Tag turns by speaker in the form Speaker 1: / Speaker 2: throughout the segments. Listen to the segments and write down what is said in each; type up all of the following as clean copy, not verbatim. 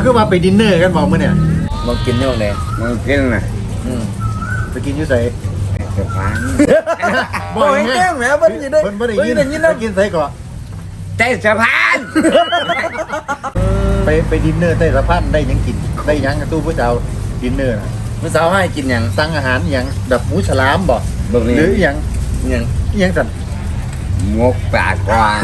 Speaker 1: คือมาไปดินเนอร์กันบอกมื้อเนี่ย
Speaker 2: มากินนี่วันไหน
Speaker 3: มากินน่ะ
Speaker 1: ไปกินอยู่ไส
Speaker 3: สะพาน
Speaker 1: บ่เห็นแม่แม่บ่ได้เพิ่นบ่ได้ยินไปกินไสก่อน
Speaker 3: ใต้สะพาน
Speaker 1: ไปดินเนอร์ใต้สะพานได้หยังกินได้หยังตู้ผู้เจ้าดินเนอร์
Speaker 2: ผู้สาวให้กินหยัง
Speaker 1: สั่งอาหารหยังแบบหมูฉลามบ่หรือหยังสั่น
Speaker 3: งกปากกวาง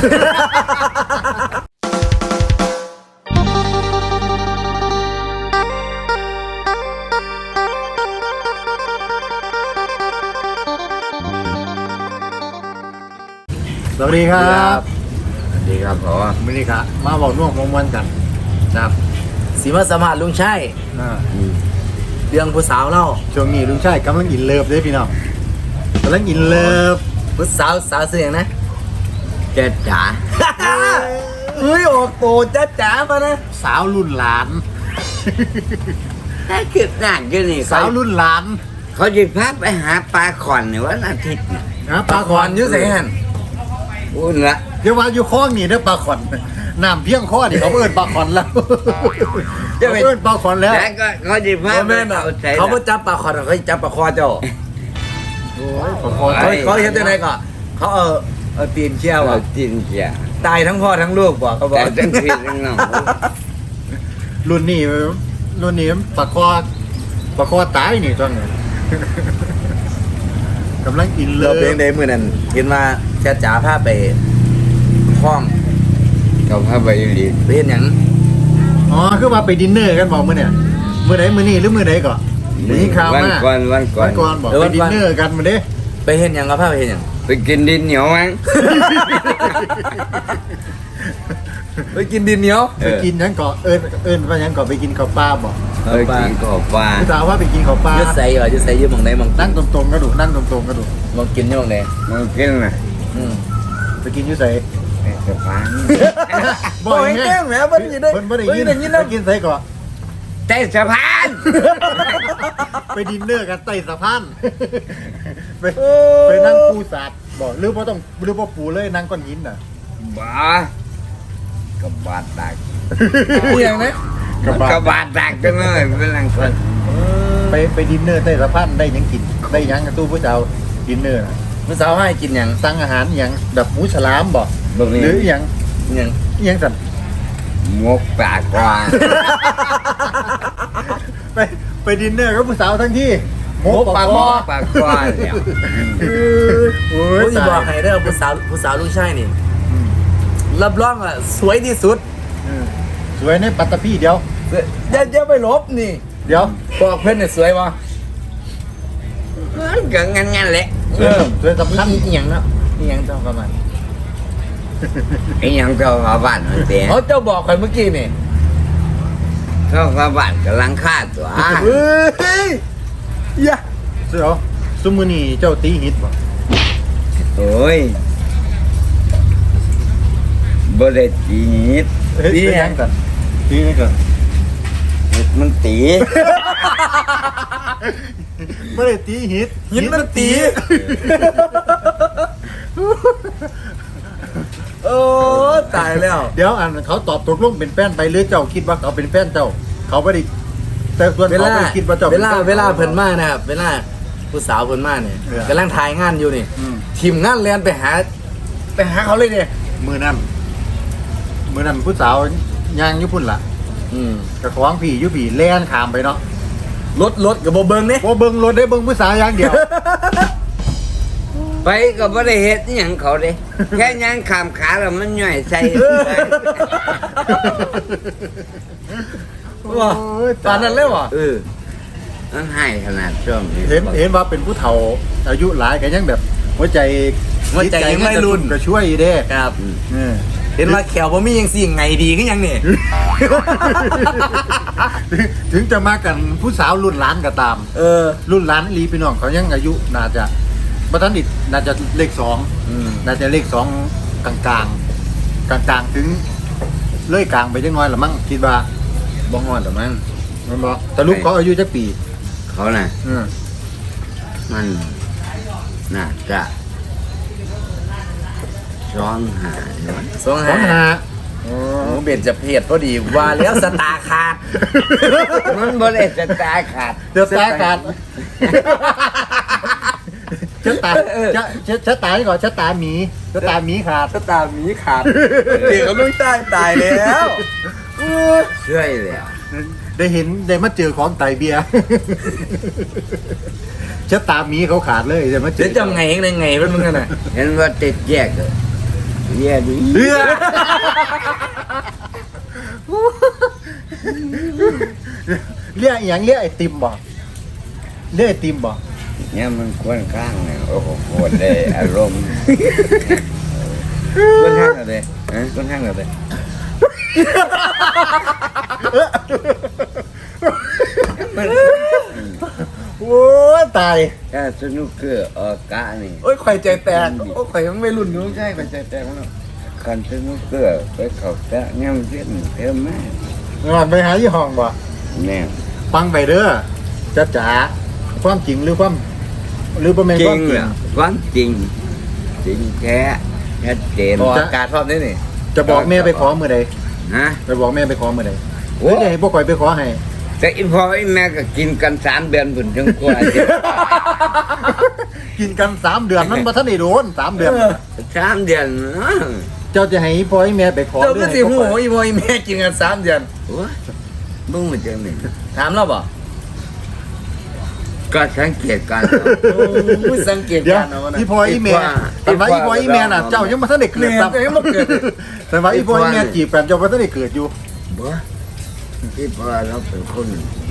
Speaker 1: สวัสดีครับ
Speaker 3: สวัสดีครับผม
Speaker 1: มื้อนี้ครับมาบอกน่วงมวนกัน
Speaker 2: ครับสีมาสมัครลุงชัยเรื่องผู้สาวเล่า
Speaker 1: ช่วงนี้ลุงชายกำลังอินเลิฟเลยพี่น้องกำลังอินเลิฟ
Speaker 2: ผู้สาวเสียงนะ
Speaker 3: เจ๊จ๋า
Speaker 2: เฮ้ยออกโตจ้าจ๋ามานะ
Speaker 1: สาวรุ่นหลาน
Speaker 3: แค่คิดหนักกันนี่
Speaker 1: สาวรุ่นหลาน
Speaker 3: เขาจะพาไปหาปลาขอนในวันอาทิตย์
Speaker 1: นะปลาขอน
Speaker 2: ยุ่งเสียง
Speaker 3: อุ่นละ
Speaker 1: เดี๋ยวว่าอยู่คลองนี่เด้อปลาขอนน้ำเพียงข้อนี่เขาเอิ้นปลาขอนแล้วเขาเอิ้นปลาขอนแล้ว
Speaker 3: แล้วก็เขาจะพา
Speaker 2: แม่เขาไม่จับปลาขอนเขาจับปลาคอเจ้า
Speaker 1: โอ้ยปลาขอน
Speaker 2: เขาเห็นได้ไงก่อนเขาเอาตีนเชี่ยว
Speaker 3: เอาตีนเชี่ยว
Speaker 2: ตายทั้งพ่อทั้งลูกบอกเขาบอก
Speaker 3: ทั้งพี่ทั้งน้อง
Speaker 1: รุ่นนี้ปลาคอตายนี่ตอนนี้กำลังอินเลิฟ
Speaker 2: เราเพลงใดมือนั้นเห็นว่าแค่จ๋าพาไปคล้อง
Speaker 3: เขาพาไปรี
Speaker 2: ไปเห็นอย่าง
Speaker 1: อ๋อคือมาไปดินเนอร์กันบอกมื้อเนี่ยมื้อไหนมื้อนี้หรือมื้อไหนก่อนนี่ข่าวมา
Speaker 3: วันก่อน
Speaker 1: บอกไปดินเนอร์กันมื้อเด้
Speaker 2: ไปเห็นอย่างก็พาไปเห็นอย่าง
Speaker 3: ไปกินดินเหนียวมั้ง
Speaker 2: ไปกินดินเหนียว
Speaker 1: ไปกินยังก่อเอิ้นว่ายังก่อไปกินข้าวปลาบอก
Speaker 3: กินข้าวปลา
Speaker 1: ผู้สาวว่าไปกินข้าวปลา
Speaker 2: จะใส่เหรอจะใส่ยืมมองไหนมอง
Speaker 1: นั่งตรงๆก็ดูนั่งตรงๆก็ดู
Speaker 2: มองกินยังไง
Speaker 3: มองกินน่ะ
Speaker 1: ไปกินอยู่ไส
Speaker 3: สะพาน
Speaker 1: บ่เห็นแม่แม่บ่ได้ยินไปกินไสก่อน
Speaker 3: ใต้สะพาน
Speaker 1: ไปดินเนอร์กันใต้สะพานไปนั่งปูสาดบอกหรือว่าปูเลยนั่งก้อนหินน่ะ
Speaker 3: บ้ากับบาดดัก
Speaker 2: อย่างนี้
Speaker 3: กับบาดดักกันเลยเป็นหลังคน
Speaker 1: ไปดินเนอร์ใต้สะพานได้ยังกินได้ยังตู้ผู้เจ้าดินเนอร์
Speaker 2: ผู้สาวให้กินอย่าง
Speaker 1: สั่งอาหารอย่างแบบหมูฉลามบอกหรืออย่างสั่น
Speaker 3: งกปากกวาง
Speaker 1: ไปดินเนอร์กับผู้สาวทั้งที่
Speaker 3: งกปากกวางเนี่ย
Speaker 2: โอ้ยบอกให้ได้ผู้สาวลุงชัยนี่รับรองอ่ะสวยที่สุด
Speaker 1: สวยในปัตตภีเดียว
Speaker 2: ไปลบนี่
Speaker 1: เดี๋ยว
Speaker 2: บอกเพื่อนเนี่ยสวยวะ
Speaker 3: ก็งั้นแหละ
Speaker 1: สวยสำคัญ
Speaker 2: อย่างเนาะอย่างต้องประมาณ
Speaker 3: อย่างเจ้าฟ้าบ้านมันเตี้ย
Speaker 2: เขาเจ้าบอกใครเมื่อกี้นี่
Speaker 3: เจ้าฟ้าบ้านกำลังฆ่าตัว
Speaker 2: เฮ้ย
Speaker 1: ยะเดี๋ยวซุมื้อนี้เจ้าตีฮิตบ่
Speaker 3: โอ้ยบ่ได้ตีฮิต
Speaker 1: ตียังกันตีนี่กัน
Speaker 3: มันตี
Speaker 1: บ่ได้ตีฮิต
Speaker 2: มันตีโอ้ตายแล้ว
Speaker 1: เดี๋ยวเขาตอบตกลงเป็นแฟนไปหรือเจ้าคิดว่าเขาเป็นแฟนเจ้าเขาไม่ได้แต่ส่วนเขาไม่คิดว่าเจ้า
Speaker 2: เวลาเพิ่นมานะครับเวลาผู้สาวเพิ่นมาเนี่ยกำลังถ่ายงานอยู่นี่ทีมงานเรียนไปหาเขาเลยเนี่ย
Speaker 1: มือนั่นผู้สาวย่างอยู่พุ่นล่ะกระขวางผีอยู่ผีแล่นขามไปเนาะ
Speaker 2: รถกับโบเบิ้งเนี่ย
Speaker 1: โบเบิ้งรถได้เบิ้งผู้สาวอย่างเดียว
Speaker 3: ไปก็บ่ได้เฮ็ดหยังเขาเด้แค่ย่างขามขาแล้วมันย่อยใส่
Speaker 2: ว่าตอนนั้นเลยว่ะ
Speaker 3: มันให้ขนาดช่วงนี้
Speaker 1: เห็นว่าเป็นผู้เฒ่าอายุหลายก็ยังแบบหัวใจ
Speaker 2: ยังไม่รุน
Speaker 1: ก็ช่วยเด้
Speaker 2: ครับเห็นว่าแขวบ่มียังสิ่งไงดีขึ้นยังเนี่ย
Speaker 1: ถึงจะมากันผู้สาวรุ่นหลานก็ตามรุ่นหลานลีพี่น้องเขายังอายุน่าจะบัตรดิดน่าจะเลข2น่าจะเลข2กลางถึงเลื่อยกลางไปจังน้อยละมั้งคิดว่า
Speaker 2: บ้องฮอดหรือมั้ง
Speaker 1: มันบอกแต่ลูกเขาอายุจักปี
Speaker 3: เขาน่ะมันน่าจะ2 5
Speaker 2: หมูเบ็ดจะเพศพอดีว่าแล้วสตาร์ขาด
Speaker 3: มันบ่ได้สตาร์ขาด
Speaker 1: เดี๋ยวตาขาดชะตาชะตานี่ก่อนชะตาหมีชะตาหมีขาด
Speaker 2: สตาร์หมีขาดเด็กเขาลุงตายแล้ว
Speaker 3: ช่วยแล้ว
Speaker 1: ได้เห็นได้มาเจอของไตเบียร์ชะตาหมีเขาขาดเลยได้มาเจ
Speaker 2: เดี๋ย
Speaker 1: อ
Speaker 2: วจะไงเป็นมึงกันน่ะ
Speaker 3: เห็นว่าติดแยกเลยแย่ดี
Speaker 1: เรือเรียกอย่างเรียกไอติมบ่เรียกไอติมบ่
Speaker 3: เนี่ยมันควรข้างเนี่ยโอ้โหโคตรเลยอารมณ์
Speaker 2: ค่อนข้างเลยค่อนข้างเลย
Speaker 1: โอ้ยตาย
Speaker 3: ถ้าสนุกเกอร์ออกกะนี่
Speaker 2: โอ้ยข่อยใจแตกโอ้ยข่อยยังไม่รุ่นนู้นใช่ข่อยใจแตกแล้ว
Speaker 3: คันสนุกเกอร์ไปเขาแตะย่ำเส้นเท่าแม่
Speaker 1: งานไปหายี่ห้องบ่
Speaker 3: เนี่ย
Speaker 1: ฟังไปเด้อจ้าจ๋าความจริงหรือความหรือประเมิน
Speaker 3: จริ
Speaker 1: ความ
Speaker 3: ง
Speaker 1: จริ
Speaker 3: เหรง อความจริงจริงแท้ชัดเจน
Speaker 2: ออกอากาศรอบนี้นี่
Speaker 1: จะบอกแม่ไปขอมือใด
Speaker 3: ฮะ
Speaker 1: ไปบอกแม่ไปขอมือใด
Speaker 3: โอ้
Speaker 1: โอ้ยให้พวกข่อยไปขอให้
Speaker 3: แต่อีพ่ออีแม่ก็กินกัน3 เดือนผุนถึงกว่าจะ
Speaker 1: กินกัน3 เดือนมันบ่ทันได้โดน3 เดือน
Speaker 3: 3 เดือนเนาะ
Speaker 1: เจ้าจะให้พ่อให้แม่ไปขอ
Speaker 2: เจ้าก็
Speaker 1: ให้
Speaker 2: สิ
Speaker 1: พว
Speaker 2: หู
Speaker 1: กข่อย
Speaker 2: อีโมอีแม่กินกัน3 เดือน
Speaker 3: โอ้ยมึงมาจังนี่
Speaker 2: ถามเราบ่
Speaker 3: ก็สังเกตการณ์
Speaker 2: ผู้สังเกต
Speaker 1: เดี๋ยว
Speaker 2: การณ์เอานะ
Speaker 1: อีพ่ออีแม่แต่ว่าอีพ่ออีแม่น่ะเจ้ายังบ่ทันได้เกิด
Speaker 2: แม่ก็ยังบ่เกิด
Speaker 1: แต่ว่าอีพ่ออีแม่จีบกันเจ้าบ่ทันได้เกิดอยู่
Speaker 3: บ่ที่พ่อเราเป็นคน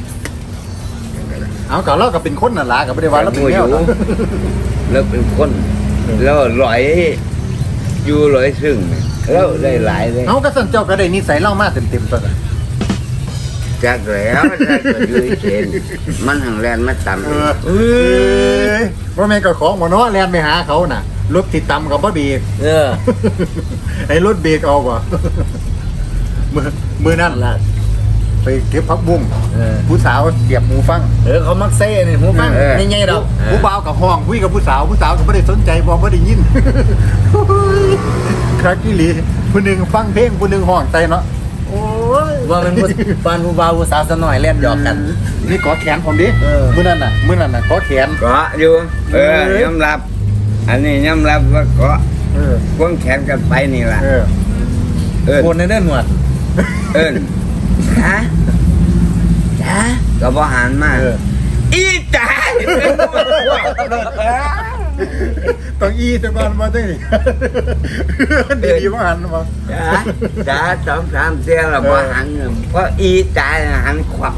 Speaker 1: เอาก็เราก็เป็นคนนั่นล่ะก็บ่ได้ว่าเราเป็นแนวนะ
Speaker 3: เราเป็นคนเราลอยอยู่ลอยซึ่งเราได้หลายเลย
Speaker 1: เอาก็สั่นเจ้าก็ได้นิสัยเล่ามาเต็มๆตัวน่ะ
Speaker 3: จากแล้วถ้าเกิดอยู่เฉยมันหังแลนมาต่ำ
Speaker 1: เออว่าแม่นก็ของบ่เนาะแล่นไปหาเขาน่ะรถติดตามก็บ่เบรก ไอ้รถเบรกเอาบ่ มือนั่นล่ะไปเก็บผักบุ้งผู้สาวเสียบหูฟัง
Speaker 2: เขามักเซ่นี่หูฟังใหญ่ๆดอก
Speaker 1: ผู้บ่าวกับห้องคุยกับผู้สาวก็ไม่ได้สนใจบ่ได้ยิน ครากิลีผู้หนึ่งฟังเพลงผู้หนึ่งห้องใจเนาะโอ้ย
Speaker 2: ว่ามันผู้บ่าวผู้สาวซะหน่อยเล่นหยอกกัน
Speaker 1: นี่ขอแขนผมดิ
Speaker 2: เออ
Speaker 1: มื้อนั้นน่ะขอแขน
Speaker 3: ก็อยู่ยอมรับ อันนี้ยอมรับว่าก็
Speaker 1: เออ
Speaker 3: ควงแขนกันไปนี่ล่ะ
Speaker 1: เออ
Speaker 3: เอิ้น
Speaker 2: คนในเด้อหนวด
Speaker 3: เอิ้นจ้าจ้าก็บ่หันมา
Speaker 1: เออ
Speaker 3: อีจ้า
Speaker 1: ต้องอีแต่ก่อนมาจังนี่ดีๆบ่หันมา
Speaker 3: จ้า2-3เที่ยวแล้วบ่หันเพราะอีจ้าหันขวับ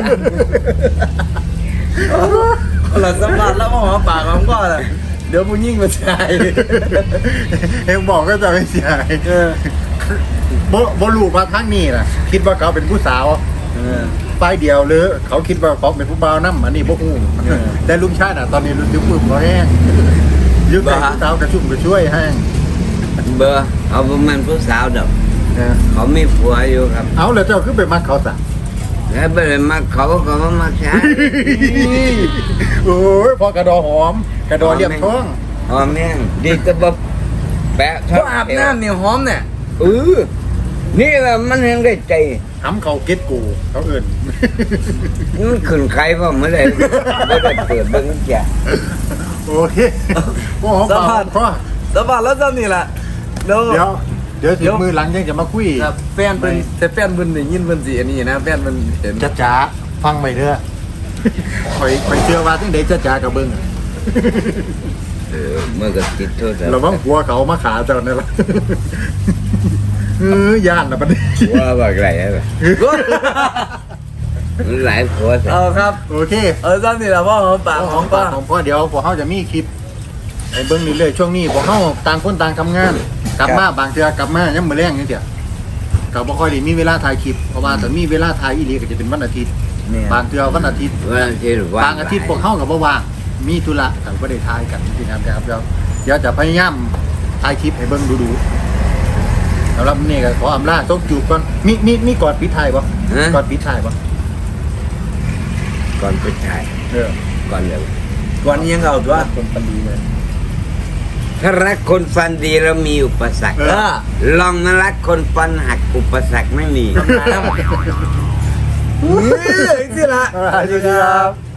Speaker 2: เราสัมผัสแล้วมาหอมปากหอมคอน่ะเดี๋ยวผู้หญิงมาใส่
Speaker 1: เอ็งบอกก็จะไม่เสียหายบ่รู้ว่าทางนี้น่ะ คิดว่าเขาเป็นผู้สาวป้ายเดียวหรือเขาคิดว่าเขาเป็นผู้บ่าวนำอันนี้บ่ฮู้แต่ลุงชาติน่ะตอนนี้ลุงปุ่มบ่แห้งยึดแต่ผู้สาวกระชุ่มกระช่วยแห้ง
Speaker 3: เบอร์เอาประมาณผู้สาวดอก
Speaker 1: เออ
Speaker 3: เขามีผัวอยู่ครับ
Speaker 1: เอาแล้วเจ้าคือไปมักเขาซะ
Speaker 3: แล้วไปเลยมาเขาก็มาใช้
Speaker 1: โอ้ยพอกระดอหอม กระดอเรียบท้อง
Speaker 3: หอมแห้งดีก็บบแปะ
Speaker 2: ก็อาบน้ำเนี่ยหอมเนี่ย
Speaker 3: นี่แหละมันยังได้ใจ
Speaker 1: หำเขาเก็ตกูเขาเอิ้น
Speaker 3: มันขึ้นใครว่าไม่ได้ไม่ได้เปิดเบิ้งจ้ะ
Speaker 1: โอเคบ่หอมปากพอ
Speaker 2: สัมผัสแล้วจำนี่แหละเดี๋ยว
Speaker 1: เดี๋ยวถึงมือหลังยังจะมาคุย
Speaker 2: ครับแฟนเพิ่นแต่แฟนเพิ่นได้ยินเพิ่นสิอันนี้นะแฟนเพิ่นเห็น
Speaker 1: จ้าฟังไปเด้อข่อยเชื่อว่าจังได๋จ้ากับเบิ่ง
Speaker 3: เมื่อก็ติดโทษ
Speaker 1: ระวังหัวเขามาขาเจ้านั่นล่ะย่านน่ะบัดนี้
Speaker 3: ว่าแบบไรอะไรมันหลายผัวแต่
Speaker 2: เอาครับ
Speaker 1: โอเค
Speaker 2: จำนี่แหละว่าหอมปากหอมคอ
Speaker 1: ของพ่อเดี๋ยวพวกเฮาจะมีคลิปให้เบิ่งเรื่อยๆช่วงนี้พวกเฮาต่างคนต่างทำงาน กลับมาบางเทื่อกลับมายามมื้อแลงจังซี่ก็บ่ค่อยได้มีเวลาถ่ายคลิปเพราะว่าถ้ามีเวลาถ่ายอีหลีก็จะเป็นวันอาทิตย์
Speaker 2: เนี่ย
Speaker 1: บางเทื่อวันอาทิตย์
Speaker 3: วันที่ว่าง
Speaker 1: บางอาทิตย์พวกเขากับว่างมีธุระแต่ก็ได้ทายกันที่นั่นนะครับเดี๋ยวจะพยายามถ่ายคลิปให้เบิ่งดูสำหรับนี่ก็ขออำลาต้องจูบก่อนมีกอดปิดท้ายบ่กอดปิดท้ายบ่
Speaker 3: ก่อนไปถ่าย
Speaker 1: เออ
Speaker 3: ก่อนเดี๋ยว
Speaker 2: วันนี้ยังเอาตัว
Speaker 1: คนปันดีเลย
Speaker 3: ถ้ารักคนฟันดีแล้วมีอุปสรรค ลองมารักคนฟันหักอุปสรรคไม่มี
Speaker 2: นี่ละ
Speaker 1: สวัสดีครับ